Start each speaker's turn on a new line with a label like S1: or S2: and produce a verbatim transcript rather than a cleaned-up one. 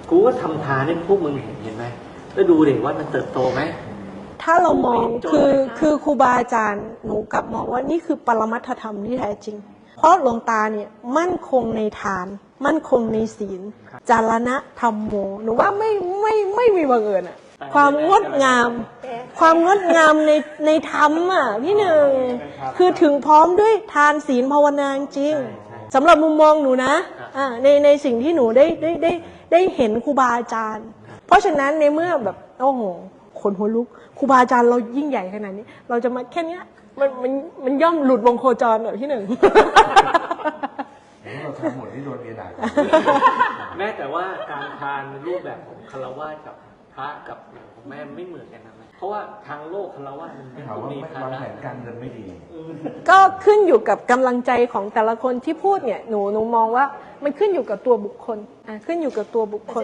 S1: กูก็ทำทานให้พวกมึงเห็นเห็นไหมแล้วดูเด็กว่ามันเติบโตไหม
S2: ถ้าเรามองคือคือครูบาอาจารย์หนูกลับมองว่านี่คือปรมัตถธรรมที่แท้จริงเพราะหลวงตาเนี่ยมั่นคงในทานมั่นคงในศีลจารณะธรรมโมหนูว่าไม่ไม่ไม่มีบังเอิญอะความงดงามความงดงามในในธรรมอ่ะพี่หนึ่งคือถึงพร้อมด้วยทานศีลภาวนาจริงสำหรับมุมมองหนูนะอ่าในในสิ่งที่หนูได้ได้ได้ได้เห็นครูบาอาจารย์เพราะฉะนั้นในเมื่อแบบโอ้โหขนหัวลุกครูบาอาจารย์เรายิ่งใหญ่ขนาดนี้เราจะมาแค่เนี้ยมันมันมันย่อมหลุดวงโคจรแบบพี่หนึ่ง
S3: เราทำหมดที่โดนเมียด่า
S1: แม้แต่ว่าการทานรูปแบบของคารวะกับพระกับของแม่ไม่เหมือนกันนะเพราะว่าทางโลกคารวะมัน
S3: ถามว่า
S1: มี
S3: ไม่
S1: ภาว
S3: าง
S1: ระ
S3: แผนการเงินไม่ดี
S2: ก็ขึ้นอยู่กับกำลังใจของแต่ละคนที่พูดเนี่ยหนูหนูมองว่ามันขึ้นอยู่กับตัวบุคคลอ่ะขึ้นอยู่กับตัวบุคคล